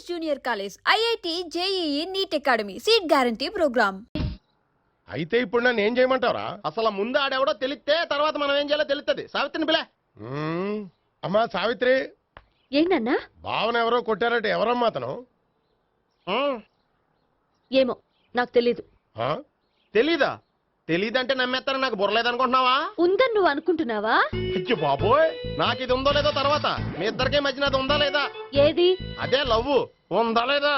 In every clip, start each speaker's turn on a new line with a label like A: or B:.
A: Prestigious Junior College, IIT, JEE, NEET Academy, Seat Guarantee Program.
B: అయితే ఇప్పుడు నన్ను ఏం చేయమంటావరా?
C: అసలు ముందు ఆడెవడో తెలిస్తే తర్వాత మనం ఏం చేయాలో తెలుస్తుంది. సావిత్రిని పిల్ల.
B: అమ్మా సావిత్రి,
D: ఏంటన్నా?
B: భావన ఎవరో కొట్టారట, ఎవరమ్మా అతను?
D: ఏమో నాకు తెలీదు.
C: తెలీదా? తెలీదంటే నమ్మేస్తారని నాకు బుర్రలేదనుకుంటున్నావా?
D: ఉందని నువ్వు అనుకుంటున్నావా?
C: అయ్యో బాబోయ్, నాకు ఇది ఉందో లేదో తర్వాత. మీ ఇద్దరికే మధ్యన అది ఉందా లేదా?
D: ఏది?
C: అదే లవ్ ఉందా లేదా?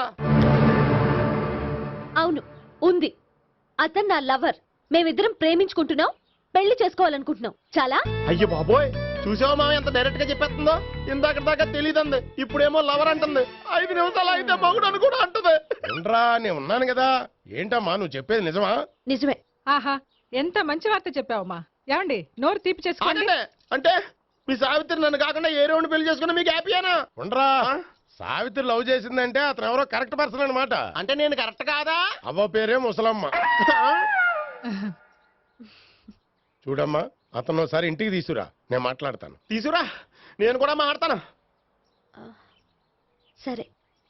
D: అవును ఉంది. అతను నా లవర్. మేమిద్దరం ప్రేమించుకుంటున్నాం, పెళ్లి చేసుకోవాలనుకుంటున్నాం. చాలా.
C: అయ్యో బాబోయ్, చూసావా మామ ఎంత డైరెక్ట్ గా చెప్పేస్తుందో? ఇందాక దాకా తెలీదంది, ఇప్పుడేమో లవర్ అంటుంది. 5 నిమిషాలు అయితే మగుడు అని కూడా అంటుంది.
B: ఏంట్రా, నేను ఉన్నాను కదా. ఏంటమ్మా నువ్వు చెప్పేది నిజమా?
D: నిజమే.
E: ఆహా, ఎంత మంచి వార్త చెప్పావమ్మా. ఏమండి, నోరు తీపి చేసుకోండి.
C: అంటే మీ సావిత్రి నన్ను కాకుండా ఏ రౌండ్ పెళ్లి చేసుకున్నా మీకు హ్యాపీయేనా?
B: ఉండరా, సావిత్రి లవ్ చేసిందంటే అతను ఎవరో కరెక్ట్ పర్సన్ అనమాట.
C: అంటే నేను కరెక్ట్ కాదా?
B: అవ్వ పేరే ముసలమ్మ. చూడమ్మా, అతను ఒకసారి ఇంటికి తీసుకురా, నేను మాట్లాడతాను.
C: తీసురా, నేను కూడా మాట్లాడతాను.
D: సరే.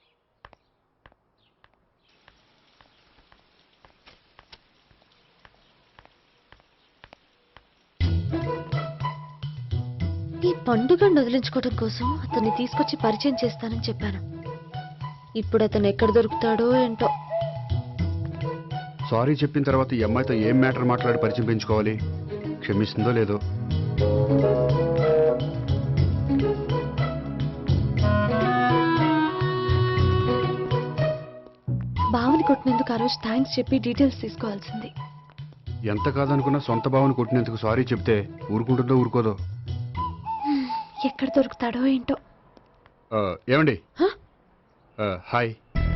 D: ఈ పండుగను వదిలించుకోవడం కోసం అతన్ని తీసుకొచ్చి పరిచయం చేస్తానని చెప్పాను. ఇప్పుడు అతను ఎక్కడ దొరుకుతాడో ఏంటో.
F: సారీ చెప్పిన తర్వాత ఈ అమ్మాయితో ఏం మ్యాటర్ మాట్లాడి పరిచయం పెంచుకోవాలి? క్షమిస్తుందో లేదో.
D: బావని కొట్టినందుకు ఆ రోజు థ్యాంక్స్ చెప్పి డీటెయిల్స్ తీసుకోవాల్సింది.
F: ఎంత కాదనుకున్నా సొంత భావను కొట్టినందుకు సారీ చెప్తే ఊరుకుంటుందో ఊరుకోదో.
D: ఎక్కడ దొరుకుతాడో ఏంటో.
F: ఏమండి, హాయ్.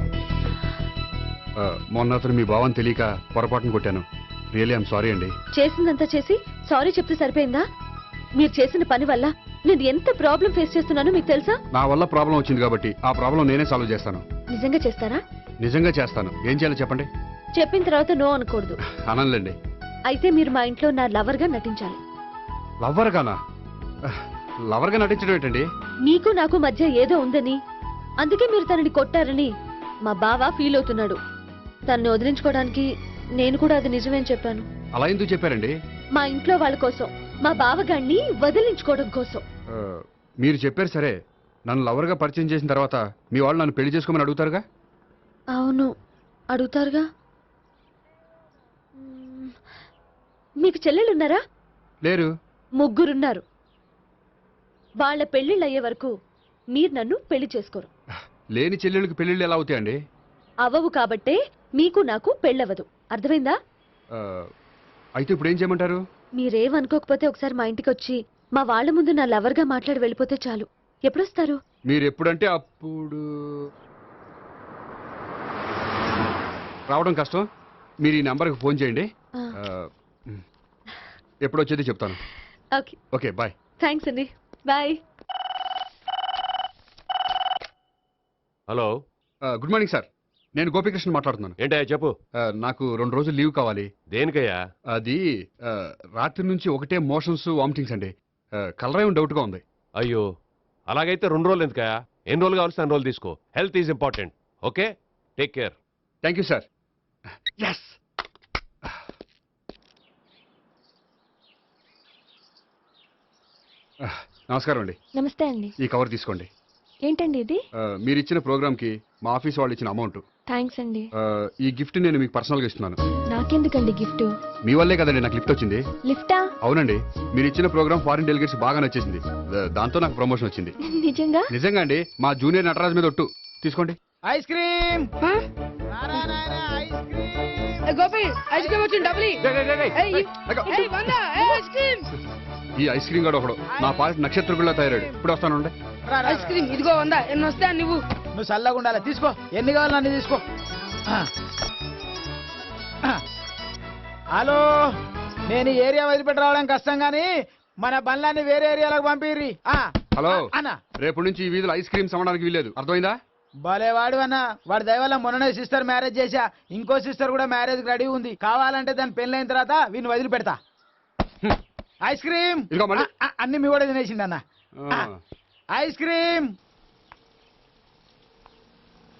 F: మొన్న అతను మీ భావం తెలియక పొరపాటును కొట్టాను. రియల్లీ ఐఎమ్ సారీ అండి.
D: చేసిందంతా చేసి సారీ చెప్తే సరిపోయిందా? మీరు చేసిన పని వల్ల నేను ఎంత ప్రాబ్లం ఫేస్ చేస్తున్నానో మీకు తెలుసా?
F: నా వల్ల ప్రాబ్లం వచ్చింది కాబట్టి ఆ ప్రాబ్లం నేనే సాల్వ్ చేస్తాను.
D: నిజంగా చేస్తారా?
F: నిజంగా చేస్తాను. ఏం చేయాలో చెప్పండి.
D: చెప్పిన తర్వాత నో అనకూడదు.
F: అనంలేండి.
D: అయితే మీరు మా ఇంట్లో నా లవర్ గా నటించాలి.
F: లవర్ గానా? లవర్ గా నటించడం ఏంటండి?
D: మీకు నాకు మధ్య ఏదో ఉందని, అందుకే మీరు తనని కొట్టారని మా బావ ఫీల్ అవుతున్నాడు. తనని వదిలించుకోవడానికి నేను కూడా అది నిజమేని చెప్పాను.
F: అలా ఎందుకు చెప్పారండి?
D: మా ఇంట్లో వాళ్ళ కోసం, మా బావగాన్ని వదిలించుకోవడం కోసం.
F: మీరు చెప్పారు సరే, నన్ను లవర్గా పరిచయం చేసిన తర్వాత మీ వాళ్ళు నన్ను పెళ్లి చేసుకోమని అడుగుతారుగా?
D: అవును, అడుగుతారుగా. మీకు చెల్లెలున్నారా?
F: లేరు.
D: ముగ్గురున్నారు. వాళ్ళ పెళ్లిళ్ళు అయ్యే వరకు మీరు నన్ను పెళ్లి చేసుకోరు.
F: లేని చెల్లెళ్ళకి పెళ్లిళ్ళు ఎలా అవుతాయండి?
D: అవ్వవు కాబట్టే మీకు నాకు పెళ్ళవదు. అర్థమైందా?
F: అయితే ఇప్పుడు ఏం చేయమంటారు?
D: మీరేమనుకోకపోతే ఒకసారి మా ఇంటికి వచ్చి మా వాళ్ళ ముందు నా లవర్గా మాట్లాడి వెళ్ళిపోతే చాలు. ఎప్పుడొస్తారు?
F: మీరు ఎప్పుడంటే అప్పుడు. రావడం కష్టం. మీరు ఈ నంబర్కి ఫోన్ చేయండి. ఎప్పుడు వచ్చేది చెప్తాను.
D: ఓకే.
F: Okay, bye.
D: థ్యాంక్స్ అండి, bye.
G: Hello,
F: good morning sir. నేను గోపికృష్ణ మాట్లాడుతున్నాను.
G: ఏంటయ్యా చెప్పు.
F: నాకు 2 రోజులు లీవ్ కావాలి.
G: దేనికయ్యా?
F: అది రాత్రి నుంచి ఒకటే మోషన్స్, వామిటింగ్స్ అండి. కలరేం డౌట్గా ఉంది.
G: అయ్యో, అలాగైతే 2 రోజులు ఎందుకయ్యా? ఎన్ని రోజులు కావాల్సిన 2 రోజులు తీసుకో. Health is important. Okay, take care.
F: Thank you sir. Yes. నమస్కారం అండి.
D: నమస్తే అండి.
F: ఈ కవర్ తీసుకోండి.
D: ఏంటండి ఇది?
F: మీరు ఇచ్చిన ప్రోగ్రామ్కి మా ఆఫీస్ వాళ్ళు ఇచ్చిన అమౌంట్.
D: థ్యాంక్స్ అండి.
F: ఈ గిఫ్ట్ నేను మీకు పర్సనల్గా ఇస్తున్నాను.
D: నాకెందుకండి గిఫ్ట్?
F: మీ వల్లే కదండి నాకు లిఫ్ట్ వచ్చింది.
D: లిఫ్టా?
F: అవునండి, మీరు ఇచ్చిన ప్రోగ్రామ్ ఫారిన్ డెలిగేట్స్ బాగా నచ్చేసింది. దాంతో నాకు ప్రమోషన్ వచ్చింది.
D: నిజంగా?
F: నిజంగా అండి. మా జూనియర్ నటరాజ్ మీద ఒట్టు. తీసుకోండి.
H: Ice cream. Gopi, ice cream వచ్చింది. డబ్బులు
F: ఈ ఐస్ క్రీమ్ గడు ఒకడు నా పాలిట నక్షత్రకుల్లా తయారాడు. ఇప్పుడు వస్తానండి.
H: ఐస్ క్రీమ్ ఇదిగో 100. ఎన్ని వస్తా నువ్వు? నువ్వు చల్లగా ఉండాలి. తీసుకో, ఎన్ని కావాలి అన్ని తీసుకో. హలో, నేను ఈ ఏరియా వదిలిపెట్టి రావడం కష్టం గానీ మన బండ్లన్నీ వేరే ఏరియాలకు పంపిర్రి.
F: హలో
H: అన్న,
F: రేపు నుంచి ఈ వీధిలో ఐస్ క్రీమ్స్ అమ్మడానికి వీల్లేదు. అర్థమైందా?
H: భలేవాడు అన్న. వాడి దయవల్ల మొన్ననే సిస్టర్ మ్యారేజ్ చేశా. ఇంకో సిస్టర్ కూడా మ్యారేజ్ రెడీ ఉంది. కావాలంటే దాని పెళ్ళైన తర్వాత వీడిని వదిలిపెడతా. ఐస్ క్రీమ్ అన్ని మీ కూడా తినేసిండి అన్న. Ice cream.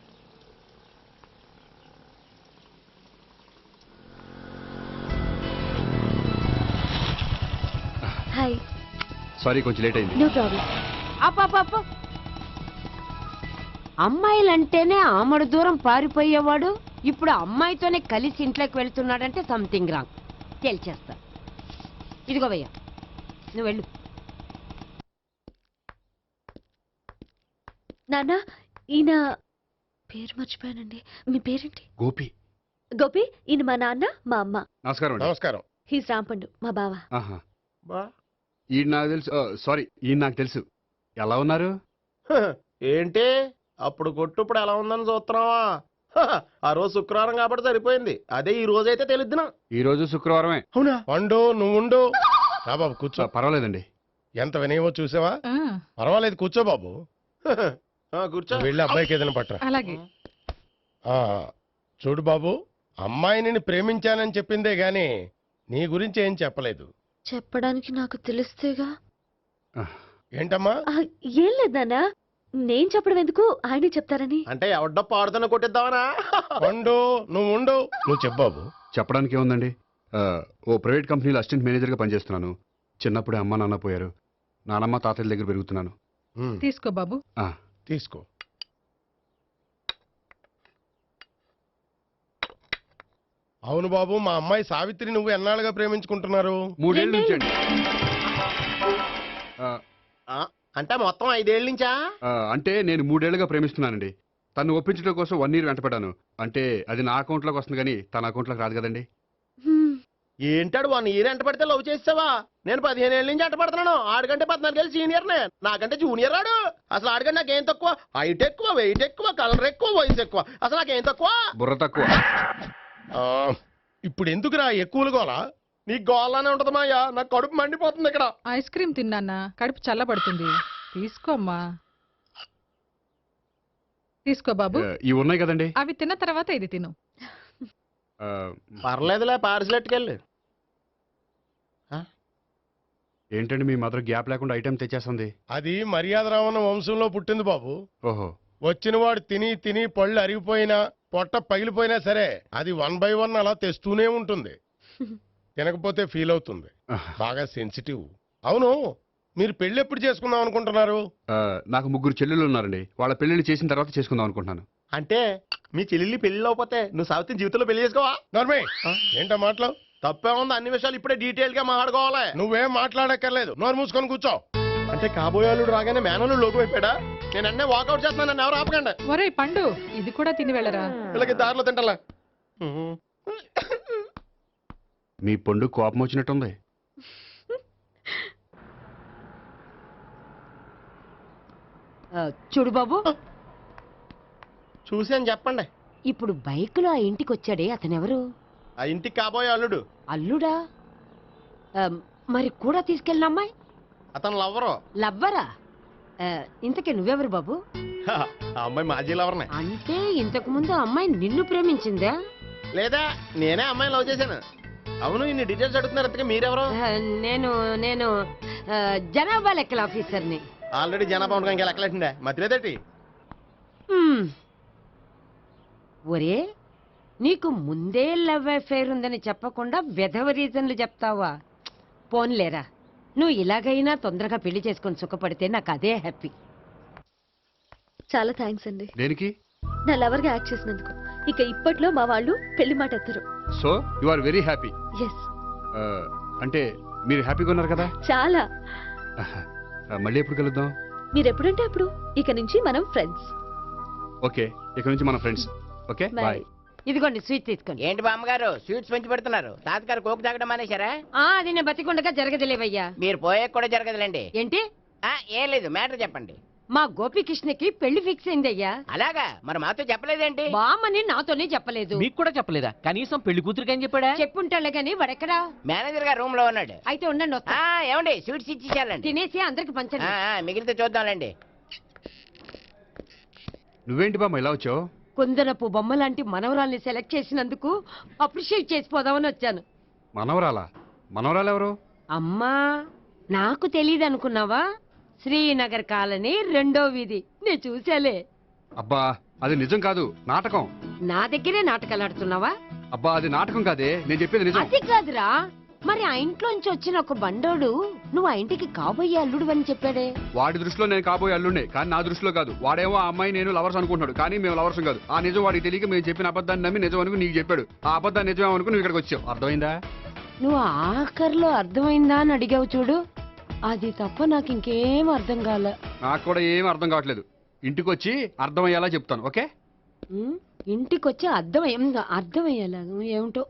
F: సారీ కొంచెం లేట్ అయింది.
D: No problem.
I: అప్ప అమ్మాయిలంటేనే ఆమడు దూరం పారిపోయేవాడు ఇప్పుడు అమ్మాయితోనే కలిసి ఇంట్లోకి వెళ్తున్నాడంటే సంథింగ్ రాంగ్. తేల్చేస్తా. ఇదిగో భయ్యా, నువ్వు వెళ్ళు.
D: నాన్న, ఈయన పేరు మర్చిపోయానండి. మీ పేరేంటి?
F: గోపి.
D: గోపి, ఈయన మా నాన్న, మా అమ్మ.
F: నమస్కారం అండి.
B: నమస్కారం.
D: హీస్ రాంపండు, మా బావ.
F: ఆహా.
C: బా
F: ఈయన నాకు తెలుసు. సారీ, ఈయన నాకు తెలుసు. ఎలా ఉన్నారు?
C: ఏంటి అప్పుడు కొట్టు ఇప్పుడు ఎలా ఉందని చూస్తున్నావా? ఆ రోజు శుక్రవారం కాబట్టి సరిపోయింది. అదే ఈ రోజు అయితే తెలిద్దునా.
F: ఈ రోజు శుక్రవారమే.
C: అవునా?
B: పండు నువ్వు ఉండు. రా బాబు కూర్చో.
F: పర్వాలేదండి.
B: ఎంత వినయమో చూసావా? పర్వాలేదు కూర్చో బాబు.
C: కూర్చో.
B: నువ్వు వెళ్ళి అబ్బాయికి ఏదైనా పట్టరా.
E: అలాగే.
B: ఆ, చూడు బాబు, అమ్మాయి నిన్ను ప్రేమించానని చెప్పిందే గాని నీ గురించి ఏం చెప్పలేదు.
D: చెప్పడానికి నాకు తెలిస్తేగా.
B: ఏంటమ్మా?
D: ఏం లేదు నాన్న, నేను చెప్పడం ఎందుకు, ఆయనే చెప్తారని.
C: అంటే ఎవడ్డో పాడుతున్న కొట్టిద్దామనా?
B: పండు నువ్వు ఉండు. నువ్వు చెప్పు బాబు.
F: చెప్పడానికి ఏముందండి, ఓ ప్రైవేట్ కంపెనీలో అసిస్టెంట్ మేనేజర్గా పనిచేస్తున్నాను. చిన్నప్పుడే అమ్మ నాన్న పోయారు. నానమ్మ తాతయ్య దగ్గర పెరుగుతున్నాను.
E: తీసుకో బాబు.
B: తీసుకో. అవును బాబు, మా అమ్మాయి సావిత్రి నువ్వు ఎన్నాళ్ళుగా ప్రేమించుకుంటున్నారు?
F: 3 ఏళ్ళ నుంచి అండి.
C: అంటే మొత్తం 5 ఏళ్ళ నుంచా?
F: అంటే నేను 3 ఏళ్ళుగా ప్రేమిస్తున్నానండి. తను ఒప్పించడం కోసం 1 year వెంటపడ్డాను. అంటే అది నా అకౌంట్లోకి వస్తుంది కానీ తన అకౌంట్లోకి రాదు కదండి.
C: ఏంటాడు 1 year ఎంట పడితే లవ్ చేసావా? నేను 15 ఏళ్ళ నుంచి ఎంట పడుతున్నాను. ఆడికంటే 14 ఏళ్ళు సీనియర్నే. నాకంటే జూనియర్ రాడు. అసలు ఆడికంటే నాకేం తక్కువ? హైట్ ఎక్కువ, వెయిట్ ఎక్కువ, కలర్ ఎక్కువ, వయసు ఎక్కువ. అసలు నాకేం తక్కువ?
F: బుర్ర తక్కువ.
B: ఇప్పుడు ఎందుకురా ఎక్కువలు గోలా?
C: నీకు గోళ్ళనే ఉంటది మాయా. నాకు కడుపు మండిపోతుంది ఇక్కడ.
E: ఐస్ క్రీమ్ తిన్నానా, కడుపు చల్లబడుతుంది. తీసుకోమ్మా. తీసుకో బాబు.
F: ఇవి ఉన్నాయి కదండి.
E: అవి తిన్న తర్వాత ఇది తిను.
C: పర్లేదులే, పార్సిలెట్కెళ్ళి.
F: ఏంటండి మీ మాత్రం గ్యాప్ లేకుండా ఐటెం తెచ్చేస్తుంది?
B: అది మర్యాద రావణ వంశంలో పుట్టింది బాబు.
F: ఓహో.
B: వచ్చిన వాడు తిని తిని పళ్ళు అరిగిపోయినా పొట్ట పగిలిపోయినా సరే అది 1 by 1 అలా తెస్తూనే ఉంటుంది. తినకపోతే ఫీల్ అవుతుంది. బాగా సెన్సిటివ్. అవును, మీరు పెళ్లి ఎప్పుడు చేసుకుందాం అనుకుంటున్నారు?
F: నాకు 3 చెల్లెళ్ళు ఉన్నారండి. వాళ్ళ పెళ్లిళ్ళు చేసిన తర్వాత చేసుకుందాం అనుకుంటున్నాను.
C: అంటే మీ చెల్లెల్ని పెళ్లి లేకపోతే నువ్వు సావిత్రి జీవితంలో పెళ్లి చేసుకోవా?
B: నర్మే, ఏంటో మాటలు?
C: తప్పే ఉంది. అన్ని విషయాలు ఇప్పుడే డీటెయిల్ గా మాట్లాడుకోవాలి.
B: నువ్వేం మాట్లాడక్కర్లేదు, నోరు మూసుకొని కూర్చో.
C: అంటే కాబోయేవాళ్ళు రాగానే మేనలు లోకి అయిపోయాడా? నేను అన్నీ వాకౌట్ చేస్తున్నాను. నన్ను ఎవరు ఆపకండి.
E: ఒరే పండు, ఇది కూడా తిని వెళ్ళరా.
C: వీళ్ళకి దారిలో తింటలా.
F: మీ పండు కోపం వచ్చినట్టుంది.
I: చూడు బాబు,
C: చూసి అని చెప్పండి.
I: ఇప్పుడు బైక్ లో ఆ ఇంటికి వచ్చాడే అతనెవరు?
C: ఆ ఇంటికి కాబోయే అల్లుడు.
I: అల్లుడా? మరి కూడా తీసుకెళ్ళిన అమ్మాయి
C: అతను లవ్వరు.
I: లవ్వరా? ఇంతకీ నువ్వెవరు బాబు?
C: ఆ అమ్మాయి మాజీ లవర్నే.
I: అంటే ఇంతకు ముందు అమ్మాయి నిన్ను ప్రేమించిందా?
C: లేదా నేనే అమ్మాయిని లవ్ చేశాను. అవును, ఇన్ని డీటెయిల్స్ అడుగుతున్నారు. ఇంతకీ మీరెవరు?
I: నేను నేను జనాభా లెక్కల ఆఫీసర్ని.
C: ఆల్రెడీ జనాభా ఉండగా ఇంకా లెక్కలేటండే మధ్యలేదేటి?
I: ఒరే, నీకు ముందే లవ్ అఫైర్ ఉందని చెప్పకుండా వెధవ రీజన్లు చెప్తావా? పోన్లేరా, నువ్వు ఇలాగైనా తొందరగా పెళ్లి చేసుకొని సుఖపడితే నాకు అదే హ్యాపీ.
D: చాలా థ్యాంక్స్ అండి.
F: దేనికి?
D: నా లవర్ గా యాక్ట్ చేసినందుకు. ఇక ఇప్పట్లో మా వాళ్ళు పెళ్లి మాట ఎత్తరు.
F: So you are very happy.
D: Yes.
F: అంటే మీరు హ్యాపీగా ఉన్నారు కదా?
D: చాలా.
F: మళ్ళీ ఎప్పుడు కలుద్దాం?
D: మీరు ఎప్పుడంటే అప్పుడు. ఇక నుంచి మనం ఫ్రెండ్స్.
F: ఓకే, ఇక నుంచి మన ఫ్రెండ్స్. Okay, bye.
I: ఇదిగోండి స్వీట్ తీసుకోండి.
J: ఏంటి బామ్మగారు స్వీట్స్ పెంచి పెడుతున్నారు? తాతగారు కోక్ తాగడం మానేశారా?
I: అది నేను బతికుండగా జరగదులేవయ్యా.
J: మీరు పోయే కూడా జరగదులేండి.
I: ఏంటి?
J: ఏం లేదు, మ్యాటర్ చెప్పండి.
I: మా గోపికృష్ణకి పెళ్లి ఫిక్స్ అయిందయ్యా.
J: అలాగా? మరి మాతో చెప్పలేదేంటి?
I: బామ్మని నాతోనే చెప్పలేదు.
J: మీకు కూడా చెప్పలేదా? కనీసం పెళ్లి కూతురికి ఏం చెప్పాడా?
I: చెప్పుంటాలే గాని వాడెక్కడా?
J: మేనేజర్ గారు రూమ్ లో ఉన్నాడు.
I: అయితే ఉండండి, వస్తా.
J: ఏమండి స్వీట్స్ ఇచ్చేసాలండి.
I: తినేసి అందరికి పంచండి.
J: మిగిలితే చూద్దాంలేండి.
F: నువ్వేంటి బామ్మ ఇలా వచ్చావు?
I: కుందనపు బొమ్మ లాంటి మనవరాల్ని సెలెక్ట్ చేసినందుకు అప్రిషియేట్ చేసిపోదామని వచ్చాను.
F: మనవరాలా? మనవరాలు ఎవరు?
I: అమ్మా, నాకు తెలియదు అనుకున్నావా? శ్రీనగర్ కాలనీ 2వ వీధి. నేను చూసాలే.
F: అబ్బా, అది నిజం కాదు, నాటకం.
I: నా దగ్గరే నాటకాలు ఆడుతున్నావా?
F: అబ్బా, అది నాటకం కాదే, నేను చెప్పేది నిజం.
I: అది కాదురా, మరి ఆ ఇంట్లోంచి వచ్చిన ఒక బండోడు నువ్వు ఆ ఇంటికి కాబోయే అల్లుడు అని చెప్పాడే.
F: వాడి దృష్టిలో నేను కాబోయే అల్లుండే, కానీ నా దృష్టిలో కాదు. వాడేమో ఆ అమ్మాయి నేను లవర్స్ అనుకుంటున్నాడు, కానీ మేము లవర్స్ కాదు. ఆ నిజం వాడికి తెలియక మేము చెప్పిన అబద్ధాన్ని నమ్మి నిజం అనుకుని నీకు చెప్పాడు. ఆ అబద్ధాన్ని నిజం అనుకుని నువ్వు ఇక్కడికి వచ్చావు. అర్థమైందా?
I: నువ్వు ఆఖరిలో అర్థమైందా అని అడిగావు చూడు, అది తప్ప నాకు ఇంకేం అర్థం కాలే.
F: నాకు కూడా ఏం అర్థం కావట్లేదు. ఇంటికి వచ్చి అర్థమయ్యేలా చెప్తాను, ఓకే?
I: ఇంటికొచ్చి అర్థమయ్యేలా ఏమిటో.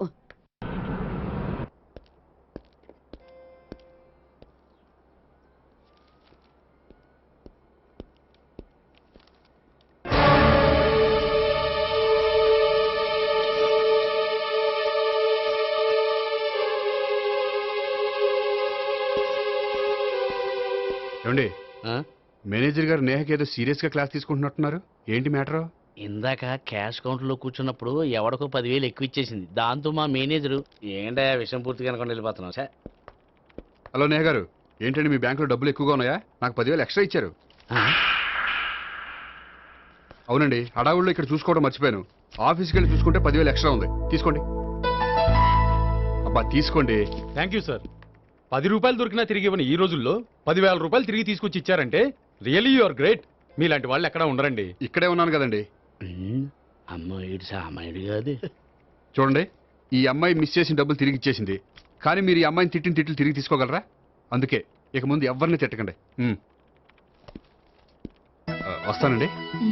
F: ఏమండి, మేనేజర్ గారు నేహకి ఏదో సీరియస్ గా క్లాస్ తీసుకుంటున్నట్టున్నారు. ఏంటి మ్యాటర్?
J: ఇందాక క్యాష్ కౌంటర్ లో కూర్చున్నప్పుడు ఎవడికో 10,000 ఎక్కువ ఇచ్చేసింది. దాంతో మా మేనేజరు ఏంటా విషయం పూర్తిగా అనుకుని వెళ్ళిపోతున్నాం సార్.
F: హలో నేహ గారు, ఏంటండి మీ బ్యాంకులో డబ్బులు ఎక్కువగా ఉన్నాయా? నాకు 10,000 ఎక్స్ట్రా ఇచ్చారు. అవునండి, హడావుల్లో ఇక్కడ చూసుకోవడం మర్చిపోయాను. ఆఫీస్కి వెళ్ళి చూసుకుంటే 10,000 ఎక్స్ట్రా ఉంది. తీసుకోండి. అబ్బా తీసుకోండి.
K: Thank you sir. 10 రూపాయలు దొరికినా తిరిగి ఇవ్వని ఈ రోజుల్లో 10,000 రూపాయలు తిరిగి తీసుకొచ్చి ఇచ్చారంటే రియలీ యు ఆర్ గ్రేట్. మీలాంటి వాళ్ళు ఎక్కడా ఉండరండి.
F: ఇక్కడే ఉన్నాను కదండి.
J: అమ్మ ఏడు సామాయుడు కాదు.
F: చూడండి, ఈ అమ్మాయి మిస్ చేసిన డబ్బులు తిరిగి ఇచ్చేసింది, కానీ మీరు ఈ అమ్మాయిని తిట్టిన తిట్లు తిరిగి తీసుకోగలరా? అందుకే ఇక ముందు ఎవరిని తిట్టకండి. వస్తానండి.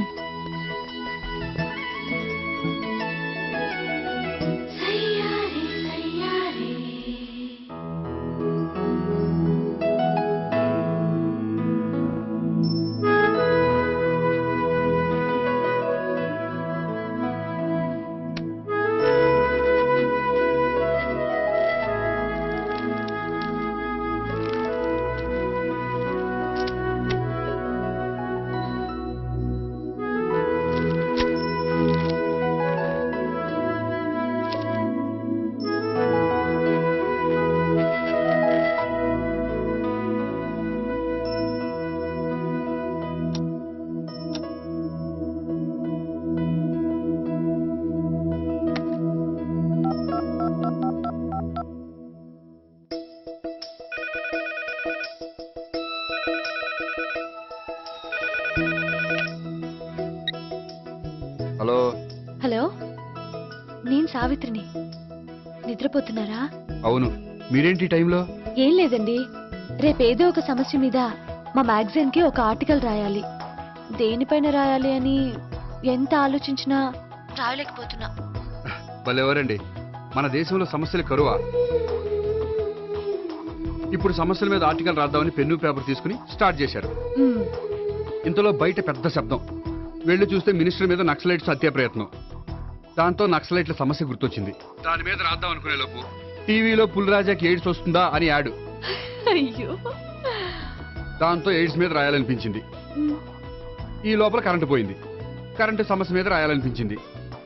F: హలో.
D: హలో, నేను సావిత్రిని. నిద్రపోతున్నారా?
F: అవును. మీరేంటి ఈ టైంలో?
D: ఏం లేదండి, రేపేదో ఒక సమస్య మీద మా మ్యాగజైన్ కి ఒక ఆర్టికల్ రాయాలి. దేనిపైన రాయాలి అని ఎంత ఆలోచించినా రాయలేకపోతున్నా.
F: వాళ్ళెవరండి, మన దేశంలో సమస్యలు కరువా? ఇప్పుడు సమస్యల మీద ఆర్టికల్ రాద్దామని పెన్ను పేపర్ తీసుకుని స్టార్ట్ చేశారు. ఇంతలో బయట పెద్ద శబ్దం. వెళ్ళి చూస్తే మినిస్టర్ మీద నక్సలైట్స్ హత్య ప్రయత్నం. దాంతో నక్సలైట్ల సమస్య గుర్తొచ్చింది. దాని మీద రాద్దాం అనుకునే లోపు టీవీలో పుల్రాజాకి ఎయిడ్స్ వస్తుందా అని యాడ్.
D: అయ్యో,
F: దాంతో ఎయిడ్స్ మీద రాయాలనిపించింది. ఈ లోపల కరెంటు పోయింది. కరెంటు సమస్య మీద రాయాలనిపించింది.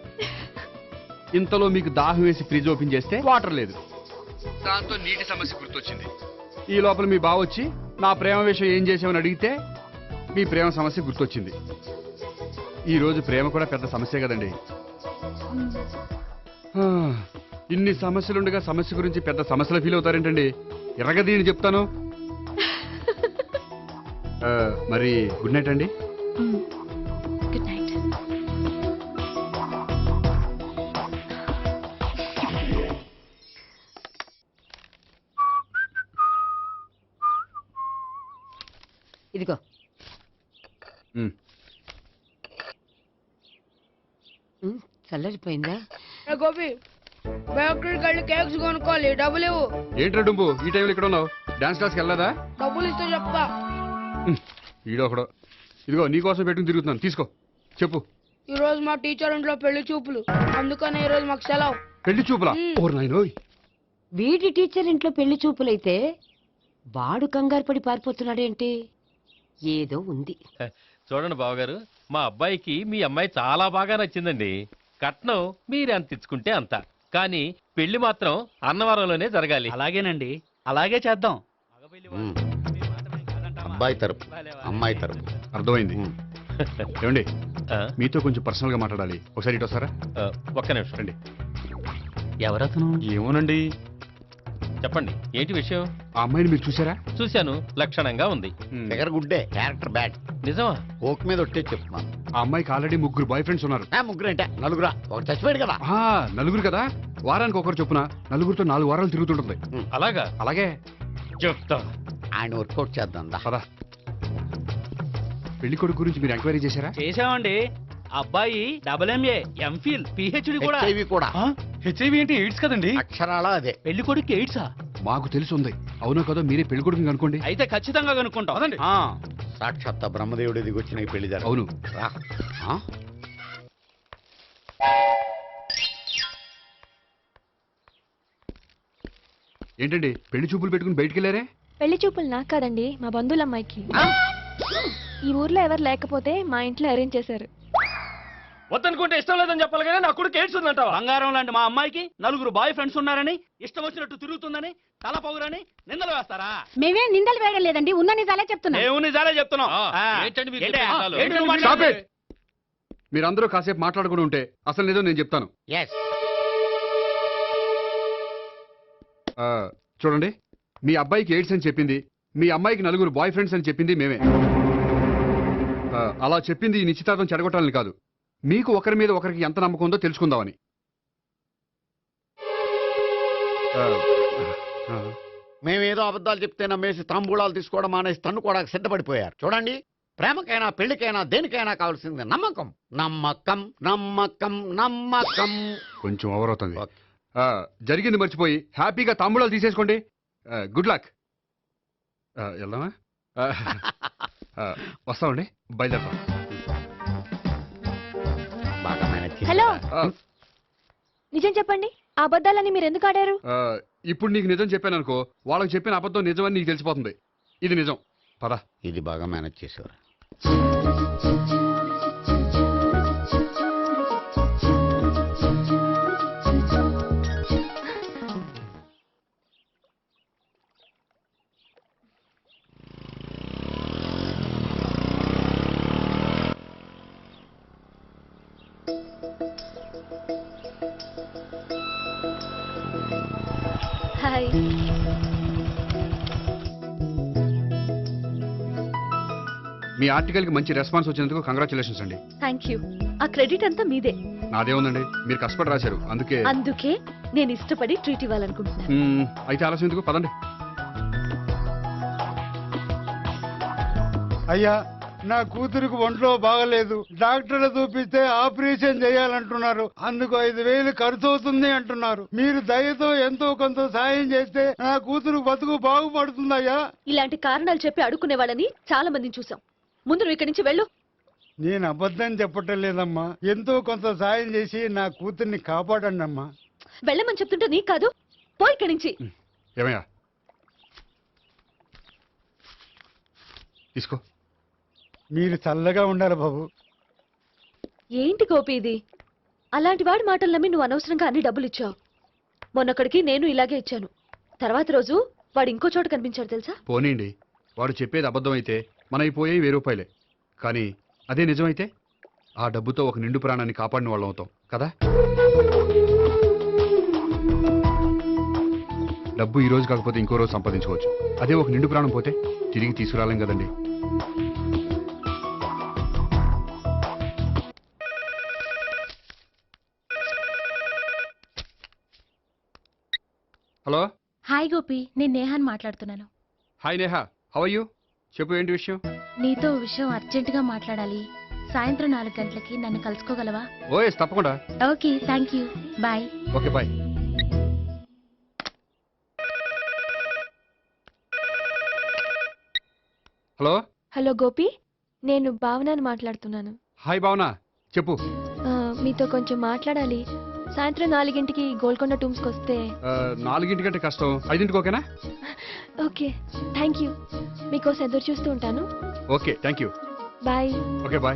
F: ఇంతలో మీకు దాహం వేసి ఫ్రిడ్జ్ ఓపెన్ చేస్తే వాటర్ లేదు. దాంతో నీటి సమస్య గుర్తొచ్చింది. ఈ లోపల మీ బావ వచ్చి నా ప్రేమ విషయం ఏం చేసామని అడిగితే మీ ప్రేమ సమస్య గుర్తొచ్చింది. ఈ రోజు ప్రేమ కూడా పెద్ద సమస్య కదండి. ఇన్ని సమస్యలుండగా సమస్య గురించి పెద్ద సమస్యలు ఫీల్ అవుతారేంటండి? ఎరగదీని చెప్తాను. మరి గుడ్ నైట్ అండి.
D: Good night.
I: ఇదిగో. చల్లరిపోయిందా?
L: గోపి, బయోక్రిట్ వెళ్ళి కేక్స్ కొనుక్కోవాలి, డబ్బులు ఇవ్వు.
F: ఏంట్రా డుంబు ఈ టైంలో ఇక్కడ ఉన్నావు? డాన్స్ క్లాస్కి వెళ్ళదా?
L: డబ్బులు ఇస్తే చెప్తా.
F: ఈడొకడు. ఇదిగో నీకోసం పెట్టుకుని తిరుగుతున్నాను, తీసుకో. చెప్పు.
L: ఈ రోజు మా టీచర్ ఇంట్లో పెళ్లి చూపులు, అందుకనే ఈ రోజు మాకు సెలవు.
F: పెళ్లి చూపులా? ఓర్ నాయనోయ్.
I: వీడి టీచర్ ఇంట్లో పెళ్లి చూపులైతే వాడు కంగారు పడి పారిపోతున్నాడేంటి? ఏదో ఉంది.
K: చూడండి బావగారు, మా అబ్బాయికి మీ అమ్మాయి చాలా బాగా నచ్చిందండి. కట్నం మీరు ఎంత ఇచ్చుకుంటే అంత, కానీ పెళ్లి మాత్రం అన్నవరంలోనే జరగాలి.
J: అలాగేనండి, అలాగే చేద్దాం.
C: అబ్బాయి తరపు అమ్మాయి తరపు.
F: అర్థమైంది. ఏమండి, మీతో కొంచెం పర్సనల్ గా మాట్లాడాలి. ఒకసారి ఇటు వస్తారా?
K: ఒక్క నిమిషం
F: రండి.
J: ఎవరతను?
K: ఏమోనండి, చెప్పండి ఏంటి విషయం?
F: ఆ అమ్మాయిని మీరు చూసారా?
K: చూశాను, లక్షణంగా ఉంది.
C: దగ్గర గుడ్డే, క్యారెక్టర్ బ్యాడ్.
K: నిజమా?
C: ఓక్ మీద ఒట్టే చెప్తున్నాను.
F: ఆ అమ్మాయికి ఆల్రెడీ 3 బాయ్ ఫ్రెండ్స్ ఉన్నారు.
C: ముగ్గురు అంటే నలుగురా, ఒకటి చచ్చిపోయాడు కదా.
F: నలుగురు కదా, వారానికి ఒకరు చొప్పున నలుగురితో 4 వారాలు తిరుగుతుంటుంది.
K: అలాగా?
F: అలాగే
K: చెప్తా.
C: ఆయన వర్కౌట్ చేద్దాం దా.
F: పదా. పెళ్లి కొడుకు గురించి మీరు ఎంక్వైరీ చేశారా?
J: చేసామండి. అబ్బాయి MA, MPhil, PhD కూడా.
C: హెచ్ఐవి కూడా.
J: హెచ్ఐవి అంటే ఎయిడ్స్ కదండి.
C: అక్షరాలా అదే.
J: పెళ్లి కొడుకు ఎయిడ్సా?
F: మాకు తెలిసి ఉంది. అవునో కదా, మీరే పెళ్లి కొడుకుని కనుకోండి.
J: అయితే ఖచ్చితంగా కనుక్కుంటాం.
C: సాక్షాత్ బ్రహ్మదేవుడి దిగి వచ్చిన పెళ్లి జరగదు.
F: అవును.
C: రా. ఆ?
F: ఏంటండి పెళ్లి చూపులు పెట్టుకుని బయటికి వెళ్ళారే?
D: పెళ్లి చూపులు నాకు కాదండి, మా బంధువుల అమ్మాయికి. ఈ ఊర్లో ఎవరు లేకపోతే మా ఇంట్లో అరేంజ్ చేశారు.
J: వద్దనుకుంటే ఇష్టం లేదని చెప్పాలి కానీ నా కొడుకు ఎయిడ్స్ ఉందంటావా? బంగారం లాంటి మా అమ్మాయికి 4 బాయ్ ఫ్రెండ్స్ ఉన్నారని, ఇష్టం వచ్చినట్టు తిరుగుతుందని, తల పౌరని నిందలు వేస్తారా?
L: మేమే నిందలు వేయడం లేదండి, ఉన్న నిజాలే చెప్తున్నాం.
J: మేము నిజాలే చెప్తున్నాం.
K: ఏంటండి మీరు
J: ఏంటి?
K: చెప్పే నిజాలు?
J: ఏంటి నువ్వు
F: Stop
J: మాట్లాడేది?
F: it! మీరందరూ కాసేపు మాట్లాడుకుని ఉంటే అసలు నిజం నేను చెప్తాను.
C: ఎస్.
F: చూడండి, మీ అబ్బాయికి ఎయిడ్స్ అని చెప్పింది, మీ అమ్మాయికి 4 బాయ్ ఫ్రెండ్స్ అని చెప్పింది మేమే. అలా చెప్పింది ఈ నిశ్చితార్థం చెడగొట్టాలని కాదు, మీకు ఒకరి మీద ఒకరికి ఎంత నమ్మకం ఉందో తెలుసుకుందామని.
C: మేమేదో అబద్ధాలు చెప్తే నమ్మేసి తాంబూలాలు తీసుకోవడం మానేసి తన్ను కూడా సిద్ధపడిపోయారు. చూడండి, ప్రేమకైనా పెళ్లికైనా దేనికైనా కావాల్సింది నమ్మకం. నమ్మకం నమ్మకం నమ్మకం.
F: కొంచెం ఓవర్ అవుతుంది. జరిగింది మర్చిపోయి హ్యాపీగా తాంబూలాలు తీసేసుకోండి. Good luck. వెళ్దామా? వస్తామండి, బయలుదేరతాం.
C: బాగా మేనేజ్ చేశారా?
D: హలో, నిజం చెప్పండి, ఆ అబద్ధాలని మీరు ఎందుకు ఆడారు?
F: ఇప్పుడు నీకు నిజం చెప్పాను అనుకో, వాళ్ళకి చెప్పిన అబద్ధం నిజమని నీకు తెలిసిపోతుంది. ఇది నిజం. పద.
C: ఇది బాగా మేనేజ్ చేసేవారు.
D: హాయ్.
F: మీ ఆర్టికల్కి మంచి రెస్పాన్స్ వచ్చినందుకు కంగ్రాచులేషన్స్ అండి.
D: Thank you. ఆ క్రెడిట్ అంతా మీదే.
F: నాదేముందండి, మీరు కష్టపడి రాశారు, అందుకే.
D: అందుకే నేను ఇష్టపడి ట్రీట్ ఇవ్వాలనుకుంటున్నాను.
F: అయితే ఆలస్యం ఎందుకు, పదండి.
H: అయ్యా, నా కూతురికి ఒంట్లో బాగలేదు, డాక్టర్లు చూపిస్తే ఆపరేషన్ చేయాలంటున్నారు. అందుకు 5,000 ఖర్చు అవుతుంది అంటున్నారు. మీరు దయతో ఎంతో కొంత సాయం చేస్తే నా కూతురు బతుకు బాగుపడుతుందయ్యా.
D: ఇలాంటి కారణాలు చెప్పి అడుక్కునే వాళ్ళని చాలా మందిని చూసాం. ముందు నువ్వు ఇక్కడి నుంచి వెళ్ళు.
H: నేను అబద్ధం చెప్పటం లేదమ్మా, ఎంతో కొంత సాయం చేసి నా కూతుర్ని కాపాడండి అమ్మా.
D: వెళ్ళమని చెప్తుంటే నీకు కాదు, పో ఇక్కడి నుంచి.
F: ఏమయ్యా, తీసుకో.
H: మీరు చల్లగా ఉండాలి బాబు.
D: ఏంటి గోపి ఇది? అలాంటి వాడి మాటలు నమ్మి నువ్వు అనవసరంగా అన్ని డబ్బులు ఇచ్చావు. మొన్నొక్కడికి నేను ఇలాగే ఇచ్చాను. తర్వాత రోజు వాడు ఇంకో చోట కనిపించాడు తెలుసా?
F: పోనీండి, వాడు చెప్పేది అబద్ధం అయితే మనైపోయే ₹1000. కానీ అదే నిజమైతే ఆ డబ్బుతో ఒక నిండు ప్రాణాన్ని కాపాడిన వాళ్ళం అవుతాం కదా. డబ్బు ఈ రోజు కాకపోతే ఇంకో రోజు సంపాదించుకోవచ్చు. అదే ఒక నిండు ప్రాణం పోతే తిరిగి తీసుకురాలేం కదండి. హలో.
L: హాయ్ గోపి, నేను నేహాన్ మాట్లాడుతున్నాను.
F: Hi Neha, how are you? చెప్పు, ఏంటి విషయం?
L: నీతో విషయం అర్జెంటుగా మాట్లాడాలి. సాయంత్రం 4 గంటలకి నన్ను కలుసుకోగలవా?
F: ఓఎస్, తప్పకుండా.
L: Okay, thank you, bye.
F: Okay, bye. Hello.
D: Hello Gopi, నేను భావనని మాట్లాడుతున్నాను.
F: హాయ్ భావన, చెప్పు.
D: మీతో కొంచెం మాట్లాడాలి. సాయంత్రం 4 గోల్కొండ టూమ్స్కి వస్తే.
F: 4 కంటే కష్టం, 5 ఓకేనా?
D: Okay, thank you. మీకోసం ఎదురు చూస్తూ ఉంటాను.
F: Okay, thank you.
D: Bye.
F: Okay, bye.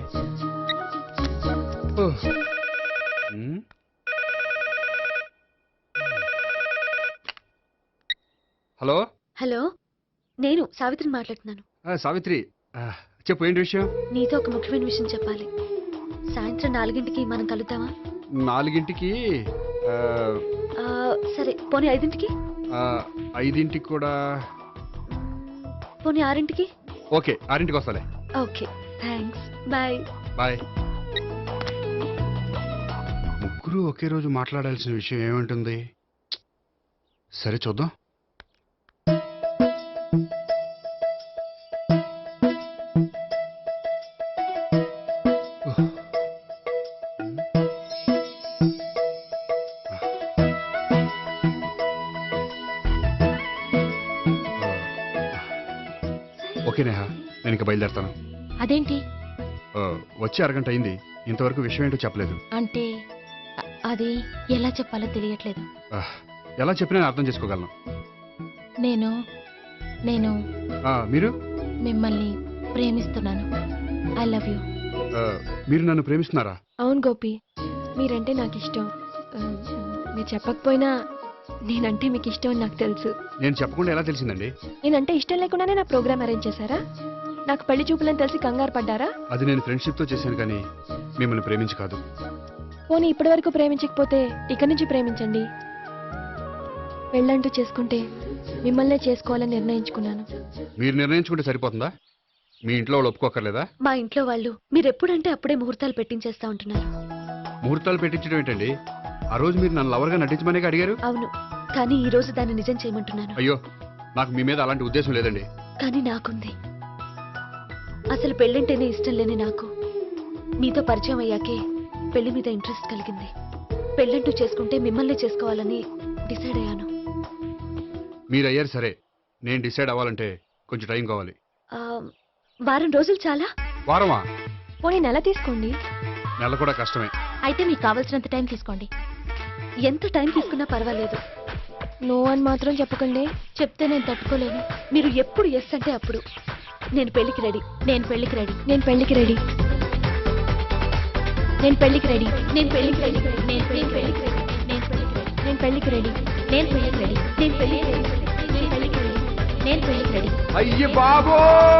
F: Hello.
D: Hello, నేను సావిత్రిని మాట్లాడుతున్నాను.
F: సావిత్రి, చెప్పు, ఏంటి విషయం?
D: నీతో ఒక ముఖ్యమైన విషయం చెప్పాలి. సాయంత్రం 4 మనం కలుద్దామా?
F: 4
D: సరే, పోనీ 5
F: 5ంటికి కూడా
D: పోనీ 6ంటికి?
F: ఓకే, 6ంటికి వస్తాలే.
D: Okay, thanks. బాయ్.
F: బాయ్. ముగ్గురు ఒకే రోజు మాట్లాడాల్సిన విషయం ఏముంటుంది? సరే చూద్దాం. ఓకే నేహా, నేను ఇంకా బయలుదేరుతాను.
L: అదేంటి?
F: వచ్చి అరగంట అయింది, ఇంతవరకు విషయం ఏంటో చెప్పలేదు.
L: అంటే అది ఎలా చెప్పాలో తెలియట్లేదు.
F: ఎలా చెప్పినా నేను అర్థం చేసుకోగలను.
L: నేను నేను
F: మీరు
L: మిమ్మల్ని ప్రేమిస్తున్నాను. I love you.
F: మీరు నన్ను ప్రేమిస్తున్నారా?
D: అవును గోపి, మీరంటే నాకు ఇష్టం. మీరు చెప్పకపోయినా నేనంటే మీకు ఇష్టం అని నాకు తెలుసు.
F: నేను చెప్పకుండా ఎలా తెలిసిందండి?
D: నేనంటే ఇష్టం లేకుండానే నా ప్రోగ్రామ్ అరేంజ్ చేశారా? నాకు పెళ్లి చూపులని తెలిసి కంగారు పడ్డారా?
F: అది నేను ఫ్రెండ్షిప్తో చేశాను కానీ మిమ్మల్ని ప్రేమించి కాదు.
D: పోనీ ఇప్పటి వరకు ప్రేమించకపోతే ఇక నుంచి ప్రేమించండి. పెళ్ళంటూ చేసుకుంటే మిమ్మల్నే చేసుకోవాలని నిర్ణయించుకున్నాను.
F: మీరు నిర్ణయించుకుంటే సరిపోతుందా? మీ ఇంట్లో వాళ్ళు ఒప్పుకోకర్లేదా?
D: మా ఇంట్లో వాళ్ళు మీరు ఎప్పుడంటే అప్పుడే ముహూర్తాలు పెట్టించేస్తా ఉంటున్నారు.
F: ముహూర్తాలు పెట్టించడం ఏంటండి? ఆ రోజు మీరు నన్ను లవర్గా నటించమనే అడిగారు.
D: అవును, కానీ ఈ రోజు దాన్ని నిజం చేయమంటున్నాను.
F: అయ్యో, నాకు మీ మీద అలాంటి ఉద్దేశం లేదండి.
D: కానీ నాకుంది. అసలు పెళ్ళంటేనే ఇష్టం లేని నాకు మీతో పరిచయం అయ్యాకే పెళ్లి మీద ఇంట్రెస్ట్ కలిగింది. పెళ్ళంటూ చేసుకుంటే మిమ్మల్ని చేసుకోవాలని డిసైడ్ అయ్యాను.
F: మీరు అయ్యారు సరే, నేను డిసైడ్ అవ్వాలంటే కొంచెం టైం కావాలి.
D: వారం రోజులు చాలా?
F: వారమా?
D: పోనీ నెల తీసుకోండి.
F: నెల కూడా కష్టమే.
L: అయితే మీకు కావాల్సినంత టైం తీసుకోండి.
D: ఎంత టైం తీసుకున్నా పర్వాలేదు. నో అని మాత్రం చెప్పకండి.
L: చెప్తే నేను తట్టుకోలేను.
D: మీరు ఎప్పుడు ఎస్ అంటే అప్పుడు. నేను పెళ్లికి రెడీ.
L: నేను పెళ్లికి రెడీ.
D: నేను పెళ్లికి రెడీ. నేను పెళ్లికి రెడీ.
L: నేను పెళ్లికి రెడీ. నేను పెళ్లికి రెడీ. నేను పెళ్లికి రెడీ.
D: నేను పెళ్లికి రెడీ.
L: నేను పెళ్లికి రెడీ.
D: నేను పెళ్లికి రెడీ.
L: నేను పెళ్లికి రెడీ.
F: అయ్య బాబో!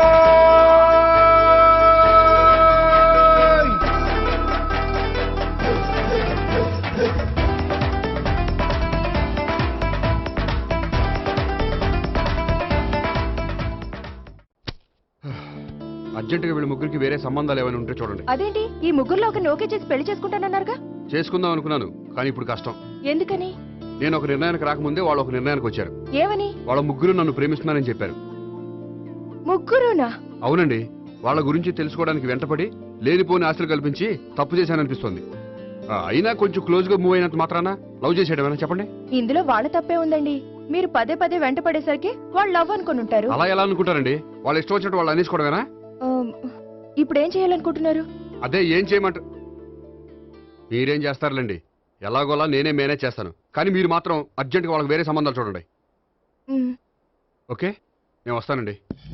F: అర్జెంటుగా వీళ్ళ ముగ్గురికి వేరే సంబంధాలు ఏమైనా ఉంటే చూడండి.
D: అదేంటి, ఈ ముగ్గురులో ఒకరిని ఓకే చేసి పెళ్లి చేసుకుంటానన్నారుగా?
F: చేసుకుందాం అనుకున్నాను, కానీ ఇప్పుడు కష్టం.
D: ఎందుకని?
F: నేను ఒక నిర్ణయానికి రాకముందే వాళ్ళు ఒక నిర్ణయానికి వచ్చారు.
D: ఏమని?
F: వాళ్ళ ముగ్గురు నన్ను ప్రేమిస్తున్నారని చెప్పారు.
D: ముగ్గురునా?
F: అవునండి. వాళ్ళ గురించి తెలుసుకోవడానికి వెంటపడి లేనిపోని ఆశలు కల్పించి తప్పు చేశాననిపిస్తోంది. అయినా కొంచెం క్లోజ్ గా మూవ్ అయినంత మాత్రాన లవ్ చేసేయడమేనా చెప్పండి?
D: ఇందులో వాళ్ళ తప్పే ఉందండి. మీరు పదే పదే వెంట పడేసరికి వాళ్ళు లవ్ అనుకుని ఉంటారు.
F: అలా ఎలా అనుకుంటారండి? వాళ్ళు ఇష్టం వచ్చినట్టు వాళ్ళు అనేసుకోవడమేనా?
D: ఇప్పుడు ఏం చేయాలనుకుంటున్నారు?
F: అదే ఏం చేయమంట. మీరేం చేస్తారులేండి, ఎలాగోలా నేనే మేనేజ్ చేస్తాను. కానీ మీరు మాత్రం అర్జెంట్గా వాళ్ళకి వేరే సంబంధాలు చూడండి. ఓకే, నేను వస్తానండి.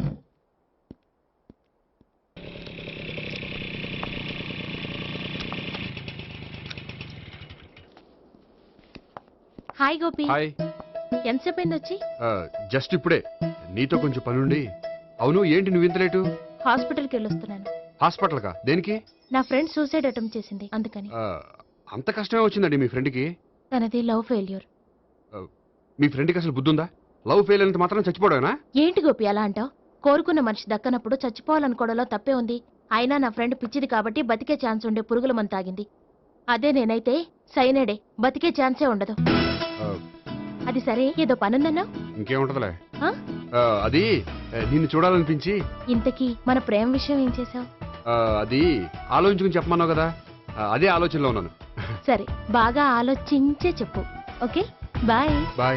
L: హాయ్ గోపి.
F: హాయ్.
L: ఎంతసేపు అయింది వచ్చి?
F: జస్ట్ ఇప్పుడే. నీతో కొంచెం పనుండి. అవును, ఏంటి నువ్వు ఇంత లేటు?
L: హాస్పిటల్కి వెళ్ళొస్తున్నాను.
F: హాస్పిటల్కా? దేనికి?
L: నా ఫ్రెండ్ సూసైడ్ అటెంప్ట్ చేసింది, అందుకని.
F: అంత కష్టమే వచ్చిందండి మీ ఫ్రెండ్కి?
L: తనది లవ్ ఫెయిల్యూర్.
F: మీ ఫ్రెండ్కి అసలు బుద్ధుందా? లవ్ ఫెయిల్ అయినంత మాత్రం చచ్చిపోవడమేనా?
L: ఏంటి గోపి అలా అంటావు? కోరుకున్న మనిషి దక్కనప్పుడు చచ్చిపోవాలనుకోవడంలో తప్పే ఉంది. అయినా నా ఫ్రెండ్ పిచ్చిది కాబట్టి బతికే ఛాన్స్ ఉండే పురుగుల మందు తాగింది. అదే నేనైతే సైనడే, బతికే ఛాన్సే ఉండదు. అది సరే, ఏదో పనుందన్నా?
F: ఇంకేముంటదిలే. అది నిన్ను చూడాలనిపించి.
L: ఇంతకీ మన ప్రేమ విషయం ఏం చేసావు?
F: అది ఆలోచించుకుని చెప్పమన్నావు కదా, అదే ఆలోచనలో ఉన్నాను.
L: సరే, బాగా ఆలోచించే చెప్పు. Okay, bye.
F: బాయ్.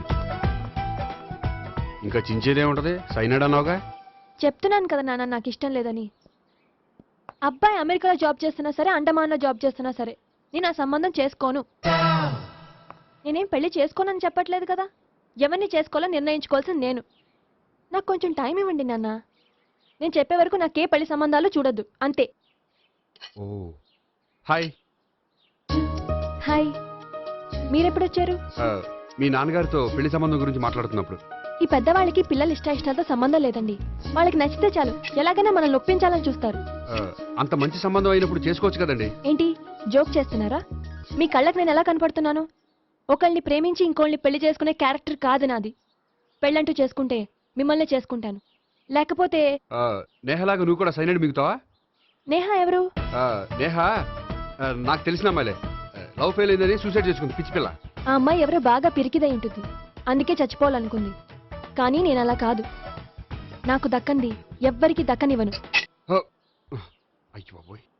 F: ఇంకా చించేదేముంటది? సైనాడ్ అన్నావుగా.
D: చెప్తున్నాను కదా నాన్న, నాకు ఇష్టం లేదని. అబ్బాయి అమెరికాలో జాబ్ చేస్తున్నా సరే, అండమాన్లో జాబ్ చేస్తున్నా సరే, నేను ఆ సంబంధం చేసుకోను. నేనేం పెళ్లి చేసుకోనని చెప్పట్లేదు కదా. ఎవరిని చేసుకోవాలో నిర్ణయించుకోవాల్సింది నేను. నాకు కొంచెం టైం ఇవ్వండి నాన్న. నేను చెప్పే వరకు నాకే పెళ్లి సంబంధాలు చూడొద్దు, అంతే.
F: ఓ హాయ్.
D: హాయ్, మీరెప్పుడొచ్చారు?
F: మీ నాన్నగారితో పెళ్లి సంబంధం గురించి మాట్లాడుతున్నప్పుడు.
D: ఈ పెద్దవాళ్ళకి పిల్లలు ఇష్టాలతో సంబంధం లేదండి. వాళ్ళకి నచ్చితే చాలు, ఎలాగైనా మనల్ని ఒప్పించాలని చూస్తారు.
F: అంత మంచి సంబంధం అయినప్పుడు చేసుకోవచ్చు కదండి.
D: ఏంటి జోక్ చేస్తున్నారా? మీ కళ్ళకి నేను ఎలా కనపడుతున్నాను? ఒకళ్ళని ప్రేమించి ఇంకోళ్ళని పెళ్లి చేసుకునే క్యారెక్టర్ కాదు నాది. పెళ్ళంటూ చేసుకుంటే మిమ్మల్నే చేసుకుంటాను. లేకపోతే
F: నేహలాగా నువ్వు కూడా సైనైడ్ మిగుతావా?
D: నేహ ఎవరు?
F: నేహ నాకు తెలిసిన అమ్మాయిలే. లవ్ ఫెయిల్ అయిందని సూసైడ్ చేసుకుంది పిచ్చి పిల్ల.
D: ఆ అమ్మాయి ఎవరో బాగా పిరికిదై ఉంటుంది, అందుకే చచ్చిపోవాలనుకుంది. కానీ నేను అలా కాదు. నాకు దక్కంది ఎవ్వరికి దక్కనివ్వను.
F: అయ్యో బాబోయ్.